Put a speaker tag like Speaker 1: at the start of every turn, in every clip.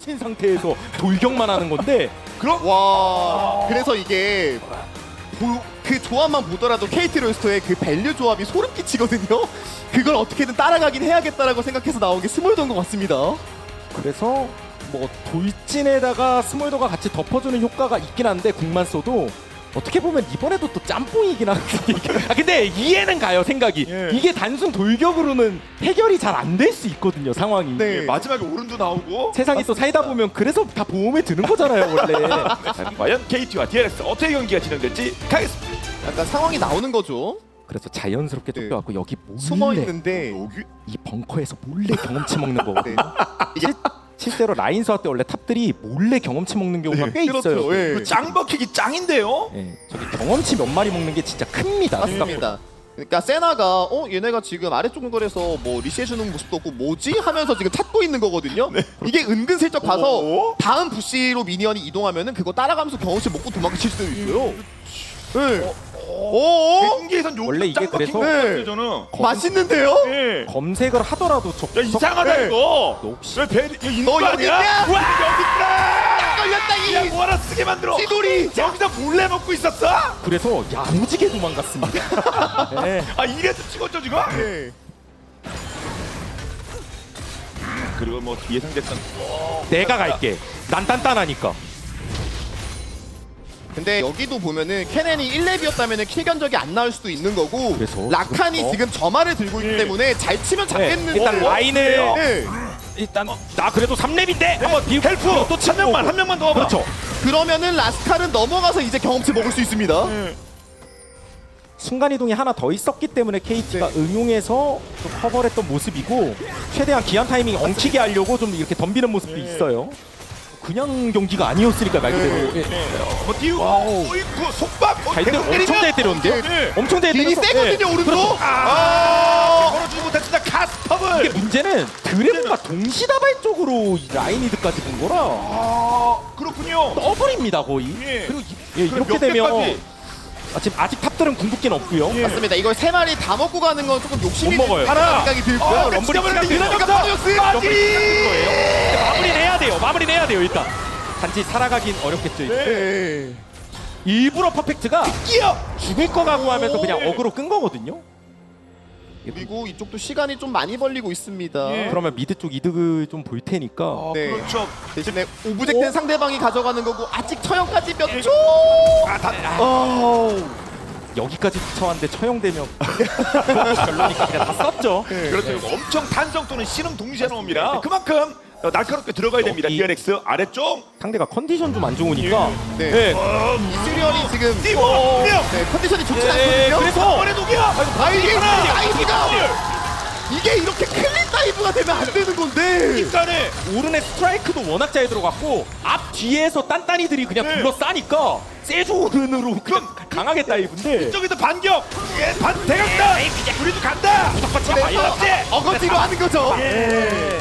Speaker 1: 친 상태에서 돌격만 하는 건데
Speaker 2: 그럼 와 그래서 이게 그 조합만 보더라도 KT 로스터의 그 밸류 조합이 소름 끼치거든요. 그걸 어떻게든 따라가긴 해야겠다라고 생각해서 나온 게 스몰더인 것 같습니다.
Speaker 1: 그래서 뭐 돌진에다가 스몰더가 같이 덮어주는 효과가 있긴 한데 궁만 써도 어떻게 보면 이번에도 또 짬뽕이긴 하거든요. 아 근데 이해는 가요 생각이.
Speaker 3: 예.
Speaker 1: 이게 단순 돌격으로는 해결이 잘 안 될 수 있거든요 상황이.
Speaker 2: 네.
Speaker 3: 마지막에 오른도 나오고.
Speaker 1: 세상이 또 살다 보면 그래서 다 보험에 드는 거잖아요 원래.
Speaker 3: 자, 과연 KT와 DRX 어떻게 경기가 진행될지 가겠습니다.
Speaker 2: 약간 상황이 나오는 거죠.
Speaker 1: 그래서 자연스럽게
Speaker 2: 네.
Speaker 1: 쫓겨갖고 여기
Speaker 2: 숨어
Speaker 1: 몰래
Speaker 2: 있는데
Speaker 3: 여기
Speaker 1: 이 벙커에서 몰래 경험치 먹는 거거든요.
Speaker 2: 이게
Speaker 1: 실제로 라인 소화 때 원래 탑들이 몰래 경험치 먹는 경우가 꽤 있어요.
Speaker 2: 그렇죠. 예.
Speaker 3: 그 짱 버키기 짱인데요.
Speaker 1: 예, 저기 경험치 몇 마리 먹는 게 진짜 큽니다.
Speaker 2: 맞습니다. 그러니까 세나가 얘네가 지금 아래쪽 근거리에서 뭐 리시해주는 모습도 없고 뭐지 하면서 지금 찾고 있는 거거든요. 이게 은근슬쩍 봐서
Speaker 3: 오.
Speaker 2: 다음 부시로 미니언이 이동하면은 그거 따라가면서 경험치 먹고 도망칠 수도 있어요. 네. 오.
Speaker 3: 경기에선 요
Speaker 1: 원래 이게
Speaker 3: 짱 버킨
Speaker 1: 그래서-
Speaker 3: 것 같아요
Speaker 2: 네.
Speaker 3: 저는.
Speaker 2: 맛있는데요?
Speaker 3: 예.
Speaker 1: 검색을 하더라도
Speaker 3: 야 이상하다
Speaker 2: 네.
Speaker 3: 이거.
Speaker 1: 너 혹시-
Speaker 3: 왜 배? 이거 있는
Speaker 2: 너
Speaker 3: 거
Speaker 2: 여기
Speaker 3: 아니야?
Speaker 2: 있냐?
Speaker 3: 와 여기 있다.
Speaker 2: 걸렸다
Speaker 3: 야
Speaker 2: 이
Speaker 3: 뭐 하나 쓰게 만들어.
Speaker 2: 찌돌이.
Speaker 3: 여기서 몰래 먹고 있었어?
Speaker 1: 그래서 야무지게 도망갔습니다. 예.
Speaker 3: 아 이래서 찍었죠 지금?
Speaker 2: 네.
Speaker 3: 그리고 뭐 예상됐던
Speaker 1: 내가 갈게. 난 단단하니까.
Speaker 2: 근데 여기도 보면은 케넨이 1렙이었다면은 킬 견적이 안 나올 수도 있는 거고
Speaker 1: 그래서
Speaker 2: 라칸이
Speaker 1: 지금
Speaker 2: 지금 점화를 들고 있기
Speaker 3: 예.
Speaker 2: 때문에 잘 치면 잡겠는데
Speaker 1: 일단 라인을
Speaker 2: 네.
Speaker 1: 일단 나 그래도 3렙인데 한번 비우고
Speaker 3: 헬프
Speaker 1: 또 치고 오고.
Speaker 3: 한 명만 더 와봐.
Speaker 1: 그렇죠.
Speaker 2: 그러면은 라스칼은 넘어가서 이제 경험치 먹을 수 있습니다.
Speaker 1: 순간 이동이 하나 더 있었기 때문에 KT가
Speaker 2: 네.
Speaker 1: 응용해서 좀 커버를 했던 모습이고 최대한 기한 타이밍 엉키게 하려고 좀 이렇게 덤비는 모습도 있어요. 그냥 경기가 아니었으니까 말 그대로.
Speaker 2: 네.
Speaker 1: 예.
Speaker 3: 뭐 띄우고 어이구 속박.
Speaker 1: 잘 때려 엄청 잘 때렸는데요?
Speaker 3: 네.
Speaker 1: 엄청 잘
Speaker 2: 딜이
Speaker 1: 때려서
Speaker 2: 세거든요 오른쪽.
Speaker 3: 걸어주지 못했습니다. 카스터블.
Speaker 1: 이게 문제는 드래곤과 동시다발적으로 이 라인이드까지 본 거라
Speaker 3: 그렇군요.
Speaker 1: 더블입니다 거의.
Speaker 3: 예.
Speaker 1: 그리고 이렇게
Speaker 3: 몇
Speaker 1: 되면
Speaker 3: 개까지?
Speaker 1: 지금 아직 탑들은 궁극기는 없고요.
Speaker 3: 예.
Speaker 2: 맞습니다. 이걸 세 마리 다 먹고 가는 건 조금 욕심이
Speaker 1: 못 먹어요.
Speaker 2: 하나 생각이 들고요.
Speaker 3: 럼블이
Speaker 2: 럼블이
Speaker 3: 시간이
Speaker 2: 그러니까
Speaker 3: 없다.
Speaker 2: 파리옥스.
Speaker 3: 빠지.
Speaker 1: 근데 마무리는 해야 돼요. 마무리는 해야 돼요 일단. 단지 살아가긴 어렵겠죠. 이제.
Speaker 2: 네.
Speaker 1: 일부러 퍼펙트가
Speaker 3: 끼어.
Speaker 1: 죽을 거 각오하면서 그냥
Speaker 3: 오.
Speaker 1: 어그로 끈 거거든요.
Speaker 2: 그리고 이쪽도 시간이 좀 많이 벌리고 있습니다.
Speaker 3: 예.
Speaker 1: 그러면 미드 쪽 이득을 좀 볼 테니까.
Speaker 2: 네.
Speaker 3: 그렇죠.
Speaker 2: 대신에 오브젝트는 상대방이 가져가는 거고 아직 처형까지 몇 초.
Speaker 1: 여기까지 쫓아왔는데 처형되면 별로니까 그냥 다 썼죠.
Speaker 3: 그렇죠. 이거 엄청 탄성 또는 신음 동시에 나옵니다. 그만큼 날카롭게 들어가야 됩니다.
Speaker 1: 여기.
Speaker 3: DRX 아래쪽.
Speaker 1: 상대가 컨디션 좀 안 좋으니까.
Speaker 2: 네.
Speaker 1: 네.
Speaker 2: 이스리언이 지금
Speaker 3: 띄워.
Speaker 2: 네, 컨디션이 좋지
Speaker 1: 네,
Speaker 2: 않거든요.
Speaker 1: 그래서
Speaker 3: 번의 독이야.
Speaker 2: 다이브가 이게 이렇게 클린 다이브가 되면 안 되는 건데.
Speaker 3: 인간에
Speaker 1: 오른의 스트라이크도 워낙 잘 들어갔고 앞 뒤에서 딴딴이들이 그냥
Speaker 3: 네.
Speaker 1: 둘러싸니까 세주 오른으로 그냥 강하게 다이브인데
Speaker 3: 이쪽에서 반격. 예, 반 대각다. 우리도 간다.
Speaker 2: 어거지로 하는 거죠.
Speaker 3: 예.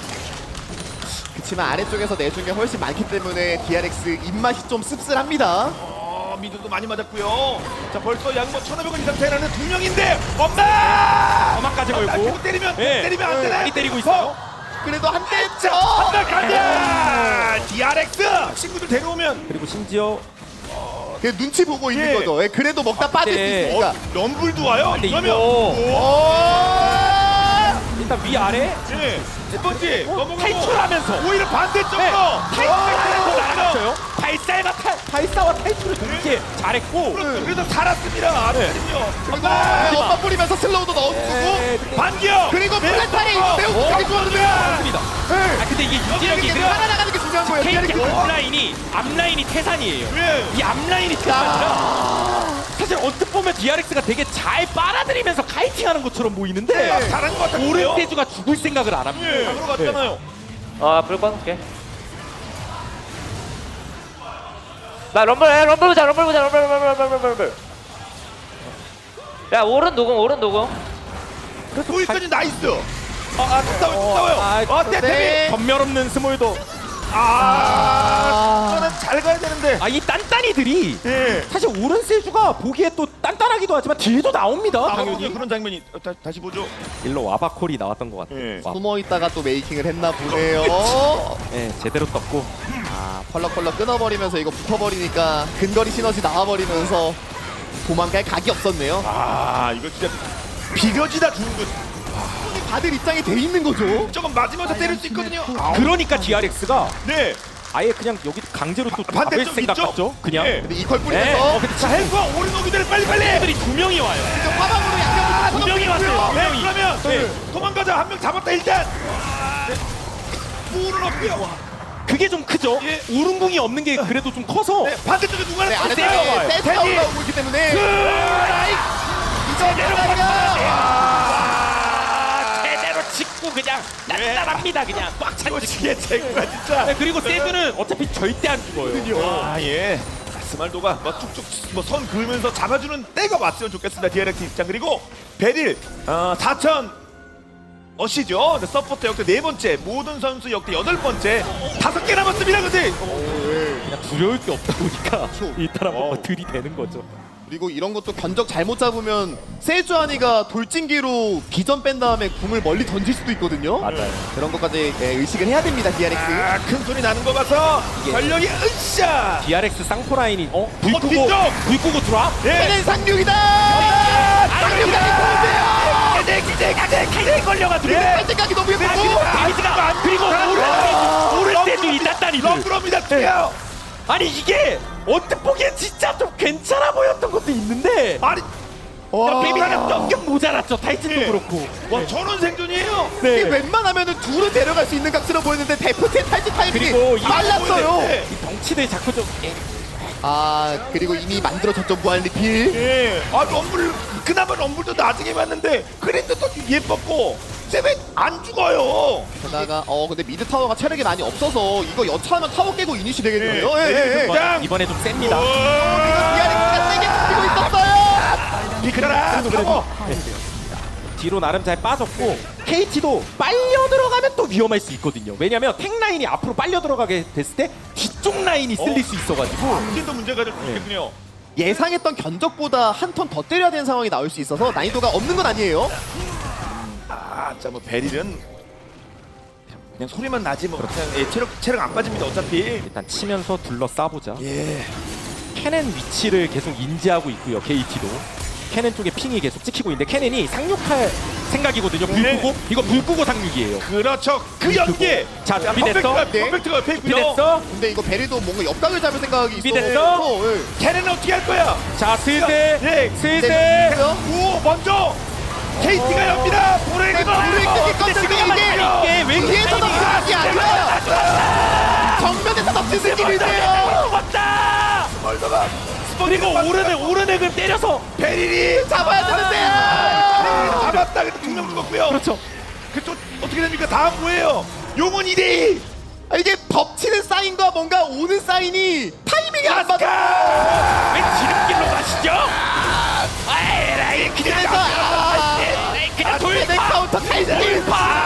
Speaker 2: 그렇지만 아래쪽에서 내준 게 훨씬 많기 때문에 DRX 입맛이 좀 씁쓸합니다.
Speaker 3: 미드도 많이 맞았고요. 자, 벌써 양모 1,500원 이상 차이나는 두 명인데 엄마!
Speaker 1: 엄마까지 걸고.
Speaker 3: 날개로 때리면
Speaker 1: 네.
Speaker 3: 때리면 안 되네.
Speaker 1: 많이 때리고 있어요.
Speaker 2: 그래도 한 대죠.
Speaker 3: 한달 간다. DRX 친구들 데려오면
Speaker 1: 그리고 심지어
Speaker 2: 그 눈치 보고 있는
Speaker 3: 예.
Speaker 2: 거죠. 예, 그래도 먹다 빠질 수
Speaker 1: 네.
Speaker 2: 있으니까.
Speaker 3: 럼블도 와요.
Speaker 1: 근데
Speaker 3: 그러면
Speaker 1: 이거
Speaker 2: 오!
Speaker 1: 일단 위아래
Speaker 3: 예. 첫 번째 넘어가고
Speaker 1: 탈출하면서
Speaker 3: 오히려 반대쪽으로
Speaker 1: 네. 탈출하면서
Speaker 3: 와,
Speaker 1: 날아갔어요. 발사와 탈출을 동시에 잘했고
Speaker 3: 그렇죠. 그래서 살았습니다.
Speaker 1: 네.
Speaker 2: 그리고 엄마 뿌리면서 슬로우도 넣어주고
Speaker 3: 반격.
Speaker 2: 그리고 플랫타리 매우 되게 좋았는데.
Speaker 1: 맞습니다. 아 근데 이게 유지력이
Speaker 2: 이게
Speaker 1: 그냥
Speaker 2: 살아나가는 게 중요한 거예요.
Speaker 1: KT
Speaker 2: DRX.
Speaker 1: 앞라인이 태산이에요.
Speaker 3: 왜?
Speaker 1: 이 앞라인이 태산이라 사실 언뜻 보면 DRX가 되게 잘 빨아들이면서 카이팅하는 것처럼 보이는데
Speaker 3: 잘한 것 같아요.
Speaker 1: 오른대주가 죽을 생각을 안 합니다.
Speaker 3: 예. 잡으러 갔잖아요.
Speaker 4: 불 꺼놓을게. 나 럼블 보자 럼블. 야 오른 녹음.
Speaker 3: 거기까지 나이스. 또 싸워요.
Speaker 1: 아,
Speaker 3: 떼템이.
Speaker 1: 전멸 없는 스몰더
Speaker 3: 이거는 잘 가야 되는데.
Speaker 1: 이 딴딴이들이
Speaker 3: 예.
Speaker 1: 사실 오른 세주가 보기에 또 딴딴하기도 하지만 딜도 나옵니다.
Speaker 3: 당연히
Speaker 1: 당연히.
Speaker 3: 그런 장면이 다시 보죠.
Speaker 1: 일로 와바콜이 나왔던 것 같아요.
Speaker 3: 예.
Speaker 2: 숨어 있다가 또 메이킹을 했나 보네요.
Speaker 1: 예, 제대로 떴고.
Speaker 2: 펄럭펄럭 끊어버리면서 이거 붙어버리니까 근거리 시너지 나와버리면서 도망갈 각이 없었네요.
Speaker 3: 이거 진짜 비벼지다 죽은 거.
Speaker 2: 받을 입장이 돼 있는 거죠.
Speaker 3: 조금 맞으면서 때릴 수 있거든요.
Speaker 1: 그러니까 DRX가
Speaker 3: 네.
Speaker 1: 아예 그냥 여기 강제로 또
Speaker 3: 반대쪽
Speaker 1: 잡을 생각
Speaker 3: 있죠?
Speaker 1: 같죠? 그냥.
Speaker 3: 예.
Speaker 2: 근데 이걸
Speaker 1: 네.
Speaker 2: 뿌리면서
Speaker 1: 근데
Speaker 3: 자, 헬프와 오른 오기들 빨리빨리.
Speaker 1: 애들이 두 명이 와요.
Speaker 2: 화방으로 약간
Speaker 1: 두 명이 왔어요. 두
Speaker 3: 네,
Speaker 1: 명이.
Speaker 3: 그러면
Speaker 1: 네.
Speaker 3: 도망가자. 한 명 잡았다 일단. 오른 없고요.
Speaker 1: 그게 좀 크죠?
Speaker 3: 예.
Speaker 1: 우릉궁이 없는 게 그래도 좀 커서
Speaker 3: 네, 반대쪽에 누가
Speaker 2: 네,
Speaker 3: 하나
Speaker 2: 아래쪽에
Speaker 3: 떴어요.
Speaker 2: 세트가
Speaker 3: 테디.
Speaker 2: 올라오고 있기 때문에
Speaker 3: 라이.
Speaker 2: 이제
Speaker 1: 제대로 짚고 그냥 단단합니다. 그냥 꽉 차고
Speaker 3: 이게 제구가 진짜.
Speaker 1: 네, 그리고 세드는 어차피 절대 안 죽어요.
Speaker 3: 예. 스말도가 뭐 툭툭 뭐 선 그으면서 잡아주는 때가 왔으면 좋겠습니다. DRX 입장. 그리고 베릴 4천 어시죠. 서포터 역대 4번째, 모든 선수 역대 8번째, 5개 남았습니다. 근데
Speaker 1: 그냥 두려울 게 없다 보니까 이 사람 뭐 들이대는 거죠.
Speaker 2: 그리고 이런 것도 견적 잘못 잡으면 세주아니가 돌진기로 비전 뺀 다음에 궁을 멀리 던질 수도 있거든요.
Speaker 1: 맞아요.
Speaker 2: 그런 것까지 의식을 해야 됩니다. DRX.
Speaker 3: 큰 소리 나는 거 봐서 전력이 으쌰.
Speaker 1: DRX 쌍포 라인이 불 끄고
Speaker 3: 뒤쪽!
Speaker 1: 불 끄고 들어와?
Speaker 3: 예.
Speaker 2: 얘는 상륙이다.
Speaker 1: 칼이 걸려가지고
Speaker 2: 빨대각이 너무 예쁘고.
Speaker 1: 데미지가 그리고 오를 때도 이 단단히
Speaker 3: 럼브로입니다. 뛰어요.
Speaker 1: 아니 이게 언뜻 보기엔 진짜 좀 괜찮아 보였던 것도 있는데
Speaker 3: 아니,
Speaker 1: 데미지가 조금 모자랐죠. 타이틀도
Speaker 3: 예.
Speaker 1: 그렇고.
Speaker 3: 와 전원 생존이에요.
Speaker 2: 이게 웬만하면은 둘은 데려갈 수 있는 각처럼 보였는데 데프트의 탈지 타이밍이
Speaker 1: 그리고 이
Speaker 2: 빨랐어요.
Speaker 3: 네.
Speaker 1: 이 덩치들 자꾸 좀
Speaker 2: 그리고 이미 만들어졌죠 무한 리필.
Speaker 3: 예. 럼블 그나마 럼블도 나중에 봤는데 그린드도 예뻤고 세븐 안 죽어요.
Speaker 2: 게다가 근데 미드 타워가 체력이 많이 없어서 이거 여차하면 타워 깨고 이니시 되겠네요.
Speaker 3: 예.
Speaker 2: 예.
Speaker 1: 이번에 좀 셉니다.
Speaker 2: DRX가 세게 뛰고 있었어요.
Speaker 3: 비크라 타워.
Speaker 1: 뒤로 나름 잘 빠졌고 KT도 빨려 들어가면 또 위험할 수 있거든요. 왜냐면 탱 라인이 앞으로 빨려 들어가게 됐을 때 뒤쪽 라인이 쓸릴 수 있어가지고
Speaker 3: 이게도 문제가 될 수 있겠군요.
Speaker 2: 예상했던 견적보다 한 턴 더 때려야 되는 상황이 나올 수 있어서 난이도가 없는 건 아니에요.
Speaker 3: 자 뭐 베릴은 그냥 소리만 나지 뭐 그냥 체력 안 빠집니다 어차피.
Speaker 1: 일단 치면서 둘러싸보자.
Speaker 3: 예.
Speaker 1: 캐넨 위치를 계속 인지하고 있고요. KT도 캐넨 쪽에 핑이 계속 찍히고 있는데 캐넨이 상륙할 생각이거든요. 불
Speaker 3: 네.
Speaker 1: 끄고 이거 불 끄고 상륙이에요.
Speaker 3: 그렇죠. 그 연계.
Speaker 1: 자, 준비됐어?
Speaker 3: 퍼펙트가 페이크요.
Speaker 1: 준비됐어?
Speaker 2: 근데 이거 베리도 뭔가 옆각을 잡을 생각이 있어.
Speaker 1: 준비됐어?
Speaker 3: 걔네는 어떻게 할 거야?
Speaker 1: 자, 슬슬
Speaker 3: 예.
Speaker 1: 슬슬
Speaker 3: 오 먼저 KT가 엽니다. 보레기가
Speaker 2: 불을 끄기 껐는데 이게
Speaker 1: 왜
Speaker 2: 뒤에서 덮치는 게 아니라 정면에서 덮치는 느낌인데요.
Speaker 1: 왔다. 그리고 오른액을 때려서
Speaker 3: 베릴이
Speaker 2: 잡아야 되는데요.
Speaker 3: 잡았다. 근데 2명 죽었고요.
Speaker 1: 그렇죠.
Speaker 3: 그쪽 어떻게 됩니까? 다음 뭐예요? 용은 2대2.
Speaker 2: 이게 덮치는 사인과 뭔가 오는 사인이 타이밍이 안 맞아.
Speaker 1: 왜 지름길로 가시죠? 에라이 그냥
Speaker 2: 그냥 카운터 타이밍.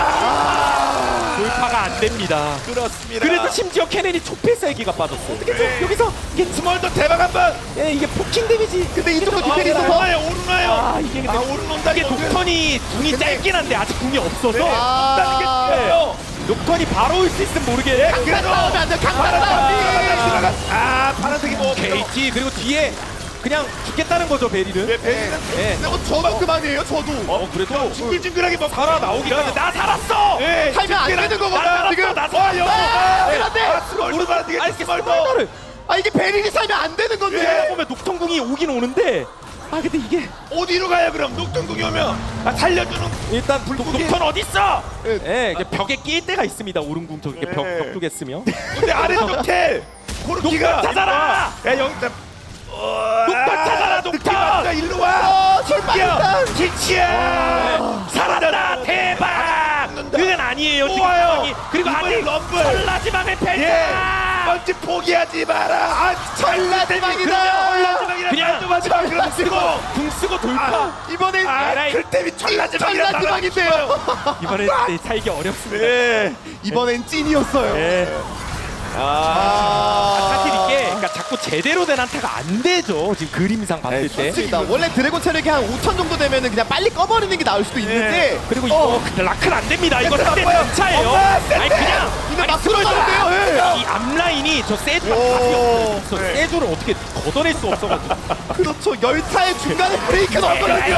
Speaker 1: 돌파가 안 됩니다.
Speaker 3: 그렇습니다.
Speaker 1: 그래도 심지어 캐넨이 초필 쌀기가 빠졌어. 어떻게 좀
Speaker 3: 네.
Speaker 1: 여기서 이게
Speaker 3: 스몰더 대박 한번.
Speaker 1: 이게 포킹 데미지.
Speaker 2: 근데 이쪽은 디펜이 있어서
Speaker 3: 오르나요?
Speaker 1: 이게 근데
Speaker 3: 오른 온다.
Speaker 1: 이게 녹턴이 궁이 짧긴 한데 아직 궁이 없어서
Speaker 3: 온다는 게 중요해요.
Speaker 1: 녹턴이 바로 올 수 있으면 모르게.
Speaker 2: 강간 싸우면 안 돼. 강간 싸움.
Speaker 3: 파란색이 뭐
Speaker 1: KT 그리고 뒤에 그냥 죽겠다는 거죠 베리는.
Speaker 3: 베릴은
Speaker 1: 예.
Speaker 2: 근데 저도 그만이에요. 저도.
Speaker 1: 그래도
Speaker 3: 징글징글하게 뭐
Speaker 1: 살아 나오기까지 나 살았어.
Speaker 3: 예,
Speaker 2: 살면 안 되는 거구나. 지금.
Speaker 1: 나 살았어.
Speaker 2: 그런데
Speaker 3: 스몰더 봐야 되겠지.
Speaker 1: 아니 스몰더를
Speaker 2: 이게 베릴이 살면 안 되는 건데.
Speaker 1: 하다 보면 녹턴궁이 오긴 오는데 근데 이게
Speaker 3: 어디로 가요 그럼? 녹턴궁이 오면 살려주는.
Speaker 1: 일단 녹턴 어디 있어?
Speaker 2: 예.
Speaker 1: 이게 벽에 끼일 때가 있습니다. 오른궁 저기
Speaker 3: 예.
Speaker 1: 벽 쪽에 쓰면.
Speaker 3: 근데 아래쪽 텔 코르키가
Speaker 1: 녹턴 찾아라!
Speaker 3: 야 여기 있다.
Speaker 1: 녹턴 찾아라 녹턴.
Speaker 3: 맞다 일로 와.
Speaker 2: 출발했다.
Speaker 3: 기치야.
Speaker 1: 살았다 대박. 그건 아니에요 지금
Speaker 3: 와요.
Speaker 1: 상황이. 그리고
Speaker 3: 이번엔
Speaker 1: 아직
Speaker 3: 럼블.
Speaker 1: 설라지방의
Speaker 3: 예.
Speaker 1: 펜타.
Speaker 3: 먼저 포기하지 마라.
Speaker 2: 전라대방이다.
Speaker 1: 그냥
Speaker 3: 마지막 그럼 쓰고.
Speaker 1: 궁 쓰고 돌파.
Speaker 2: 이번엔
Speaker 1: 에라이.
Speaker 3: 그때이 전라지방이라
Speaker 2: 전라대방인데요.
Speaker 1: 이번에 살기 어렵습니다.
Speaker 3: 예.
Speaker 2: 이번엔 찐이었어요.
Speaker 1: 예. 사실 이게 그러니까 자꾸 제대로 된 한타가 안 되죠. 지금 그림상 봤을 때.
Speaker 2: 맞습니다. 원래 드래곤 체력이 한 5천 정도 되면은 그냥 빨리 꺼버리는 게 나을 수도 있는데
Speaker 1: 그리고 이거 라클 안 됩니다. 이거
Speaker 3: 센터
Speaker 1: 상대
Speaker 3: 나빠요.
Speaker 1: 차예요.
Speaker 3: 엄마,
Speaker 1: 아니 그냥
Speaker 2: 근데
Speaker 1: 아니,
Speaker 2: 막 들어가는데요.
Speaker 1: 이 앞라인이 저 세주가
Speaker 2: 오.
Speaker 1: 답이 없어요.
Speaker 3: 네.
Speaker 1: 세주를 어떻게 걷어낼 수 없어가지고.
Speaker 2: 그렇죠. 열차의 중간에 브레이크는 없거든요.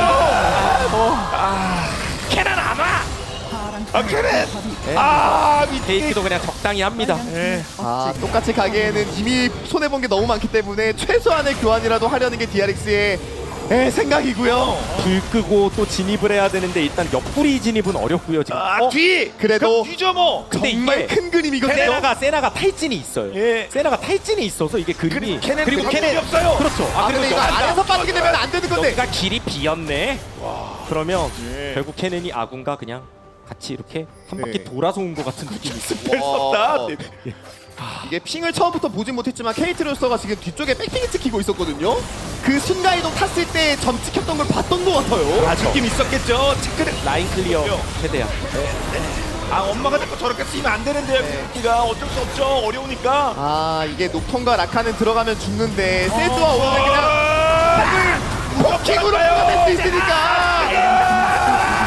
Speaker 1: 캐난 안 와.
Speaker 3: 캐넨.
Speaker 1: 페이크도 그냥 적당히 합니다.
Speaker 2: 똑같이 가기에는 이미 손해본 게 너무 많기 때문에 최소한의 교환이라도 하려는 게 DRX의 생각이고요.
Speaker 1: 불 끄고 또 진입을 해야 되는데 일단 옆구리 진입은 어렵고요 지금.
Speaker 3: 뒤.
Speaker 2: 그래도
Speaker 3: 그럼 뒤져 뭐.
Speaker 1: 근데
Speaker 2: 정말
Speaker 1: 이게
Speaker 2: 큰 그림이거든요.
Speaker 1: 세나가 탈진이 있어요.
Speaker 3: 예.
Speaker 1: 세나가 탈진이 있어서 이게 그림이
Speaker 3: 캐넨
Speaker 1: 그리고
Speaker 3: 캐넨 없어요.
Speaker 1: 그렇죠.
Speaker 2: 근데 이거 안에서 빠지게 되면 안 되는 건데.
Speaker 1: 여기가 길이 비었네. 그러면
Speaker 3: 예.
Speaker 1: 결국 캐넨이 아군과 그냥 같이 이렇게 한 바퀴
Speaker 2: 네.
Speaker 1: 돌아서 온 것 같은 느낌이 있어요.
Speaker 3: 뺐었다.
Speaker 2: 이게 핑을 처음부터 보진 못했지만 케이트로서가 지금 뒤쪽에 백핑이 찍히고 있었거든요. 그 순간이동 탔을 때 점 찍혔던 걸 봤던 것 같아요.
Speaker 3: 느낌 있었겠죠. 체크를.
Speaker 1: 라인 클리어 최대한.
Speaker 3: 엄마가 자꾸 저렇게 쓰면 안 되는데요. 가 어쩔 수 없죠. 어려우니까.
Speaker 2: 이게 녹턴과 라카는 들어가면 죽는데 세주와 오늘 그냥 포킹으로 들어갈 수 있으니까.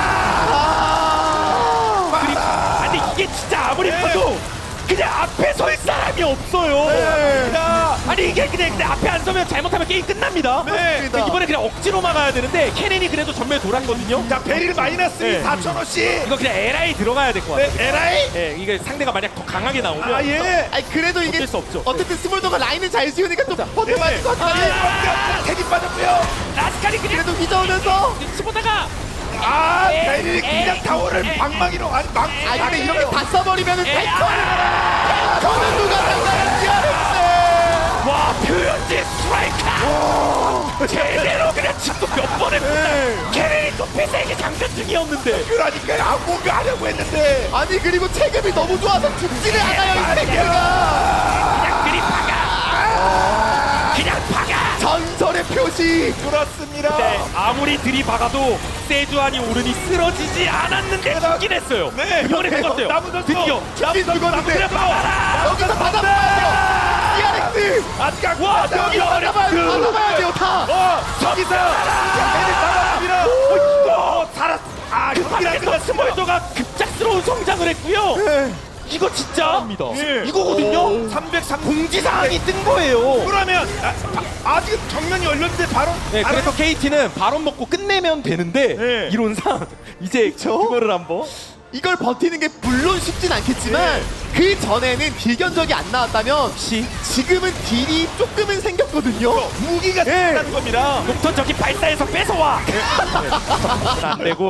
Speaker 1: 근데 이게 진짜 아무리 봐도 그냥 앞에 설 사람이 없어요. 아니 이게 그냥 근데 앞에 안 서면 잘못하면 게임 끝납니다.
Speaker 2: 맞습니다.
Speaker 1: 이번에 그냥 억지로 막아야 되는데 캐넨이 그래도 전멸 돌았거든요.
Speaker 3: 자, 베릴 마이너스
Speaker 1: 네.
Speaker 3: 4,000원씩.
Speaker 1: 이거 그냥 LI 들어가야 될 것 같아요.
Speaker 3: LI?
Speaker 1: 예, 이게 상대가 만약 더 강하게 나오면
Speaker 3: 예.
Speaker 2: 그래도 이게
Speaker 1: 어쩔 수 없죠.
Speaker 2: 어쨌든 스몰더가 라인을 잘 지우니까 좀 버텨봐야 것 같아요.
Speaker 3: 택이 빠졌고요.
Speaker 1: 라스칼이 그냥
Speaker 2: 그래도 휘저으면서
Speaker 1: 치보다가
Speaker 3: 베릴 그냥 타워를 방망이로
Speaker 2: 근데 이렇게 다 써버리면은 탱커는 누가 상관없지.
Speaker 1: 와 표현지 스트라이크 제대로 그냥 집도 몇 번 했구나. 캐넨이 또 폐쇄에게 장전 중이었는데
Speaker 3: 그러니까 뭔가 하려고 했는데
Speaker 2: 아니 그리고 체급이 너무 좋아서 죽지를 않아요 이 새끼가.
Speaker 1: 그냥 그리 박아 그냥 박아.
Speaker 2: 전설의 표시.
Speaker 3: 그렇습니다.
Speaker 1: 네, 아무리 들이박아도 세주안이 오르니 쓰러지지 않았는데 죽긴 했어요.
Speaker 3: 네,
Speaker 1: 이번에 죽었어요.
Speaker 3: 남은 선수
Speaker 1: 드디어
Speaker 2: 죽긴 죽었는데
Speaker 3: 그래 봐라.
Speaker 2: 여기서 받아봐야죠. DRX
Speaker 3: 아직
Speaker 1: 와
Speaker 2: 여기서
Speaker 1: 여기
Speaker 2: 받아봐야 돼요 다.
Speaker 3: 저기서 베릴 잡았습니다. 살았.
Speaker 1: 그 밖에서 스몰더가 급작스러운 성장을 했고요. 이거 진짜
Speaker 3: 예.
Speaker 1: 이거거든요.
Speaker 3: 303
Speaker 1: 공지사항이 뜬 거예요.
Speaker 3: 그러면 아직 정면이 열렸는데 바로
Speaker 1: 네, 그래서 KT는 바론 먹고 끝내면 되는데
Speaker 3: 네.
Speaker 1: 이론상 이제 그거를 한번
Speaker 2: 이걸 버티는 게 물론 쉽진 않겠지만 그 전에는 딜 견적이 안 나왔다면 지금은 딜이 조금은 생겼거든요.
Speaker 3: 무기가 생긴다는 겁니다.
Speaker 1: 녹턴 저기 발사해서 뺏어와. 안 되고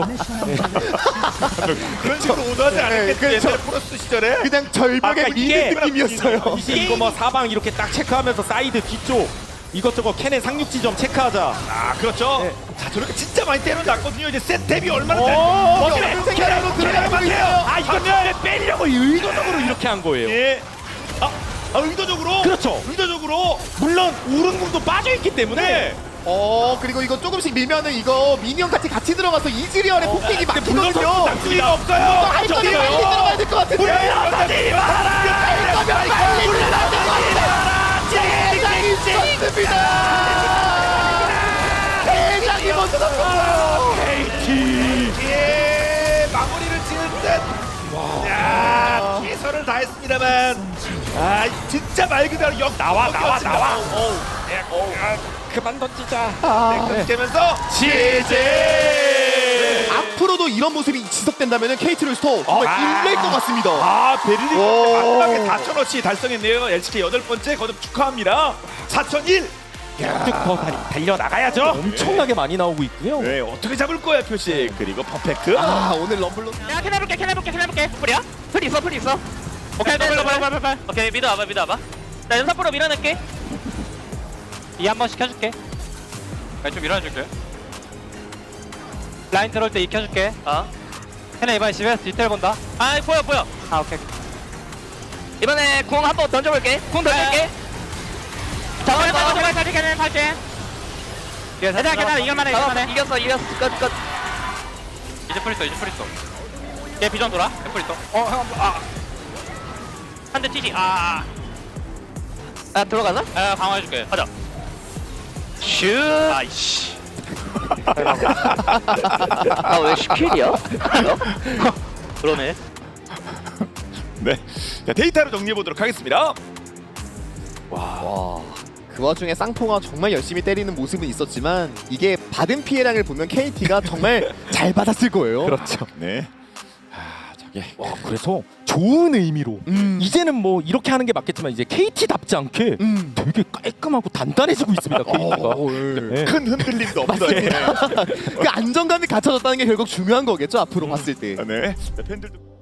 Speaker 3: 그런 식으로 오도하지 않았겠지.
Speaker 2: 그렇죠.
Speaker 3: 옛날 프로스 시절에.
Speaker 2: 그냥 절벽에
Speaker 1: 아까 이게
Speaker 2: 미는 느낌이었어요.
Speaker 1: 이거 뭐 사방 이렇게 딱 체크하면서 사이드 뒤쪽 이것저것 캐넨 상륙 지점 체크하자.
Speaker 3: 그렇죠.
Speaker 1: 네.
Speaker 3: 자, 저렇게 진짜 많이 때려놨거든요. 이제 세탭이 얼마나 잘.
Speaker 2: 어떤 생각으로 들어가고 있어요.
Speaker 1: 이거 빼려고 의도적으로 이렇게 한 거예요.
Speaker 3: 예. 의도적으로.
Speaker 1: 그렇죠.
Speaker 3: 의도적으로.
Speaker 1: 물론 우른궁도 빠져 있기 때문에
Speaker 2: 그리고 이거 조금씩 밀면은 이거 미니언 같이 들어가서 이즈리얼의 폭행이
Speaker 1: 근데 물론
Speaker 2: 막히거든요.
Speaker 3: 낙수가 없어요.
Speaker 2: 할 거면 빨리 들어가야 될 것 같은데.
Speaker 1: 물러나지 마라.
Speaker 2: 할 거면 빨리 들어가야 될 것 같은데. 대장이 있었습니다. 대장이 먼저 잡혔어요.
Speaker 3: 예. 마무리를 지을 듯. 야, 최선을 다했습니다만. 진짜 말 그대로
Speaker 1: 나와.
Speaker 3: 예.
Speaker 1: 그만 던지자.
Speaker 3: 깨면서 지제.
Speaker 2: 앞으로도 이런 모습이 지속된다면 KT로스터 정말 일낼 것 같습니다.
Speaker 3: 베를린
Speaker 2: 오.
Speaker 3: 마지막에 4,000원치 달성했네요. LCK 8번째 거듭 축하합니다. 4,001.
Speaker 1: 쭉 더 달려나가야죠. 엄청나게 많이 나오고 있고요.
Speaker 3: 네, 어떻게 잡을 거야 표식. 그리고 퍼펙트.
Speaker 2: 오늘 럼블로
Speaker 4: 야 캐나 볼게 풀이야? 풀 있어 오케이 빨리 오케이 미드 와봐 나 연사포로 밀어낼게 이 한 번씩 켜줄게 좀 밀어줄게 라인 들어올 때 이 켜줄게 캐나 이번에 집에서 디테일 본다 보여 오케이 이번에 궁 한 번 던져볼게 궁 던질게 제발 캐나 탈게 괜찮아 이길만해 이겼어 끝 이제 풀 있어 얘 비전 돌아? 풀 있어 한 대 튀지 아 들어가나? 아 강화해줄게. 가자. 슛. 아이씨. 아왜 10킬이야? 그러네.
Speaker 3: 네. 자, 데이터로 정리해 보도록 하겠습니다.
Speaker 2: 와. 그 와중에 쌍통아 정말 열심히 때리는 모습은 있었지만 이게 받은 피해량을 보면 KT가 정말 잘 받았을 거예요.
Speaker 1: 그렇죠.
Speaker 3: 네. 아, 저게
Speaker 1: 와 그래서 좋은 의미로 이제는 뭐 이렇게 하는 게 맞겠지만 이제 KT답지 않게 되게 깔끔하고 단단해지고 있습니다. KT가. 네.
Speaker 3: 큰 흔들림도 없어요.
Speaker 2: 맞습니다. 그 안정감이 갖춰졌다는 게 결국 중요한 거겠죠 앞으로 봤을 때.
Speaker 3: 네. 네, 팬들도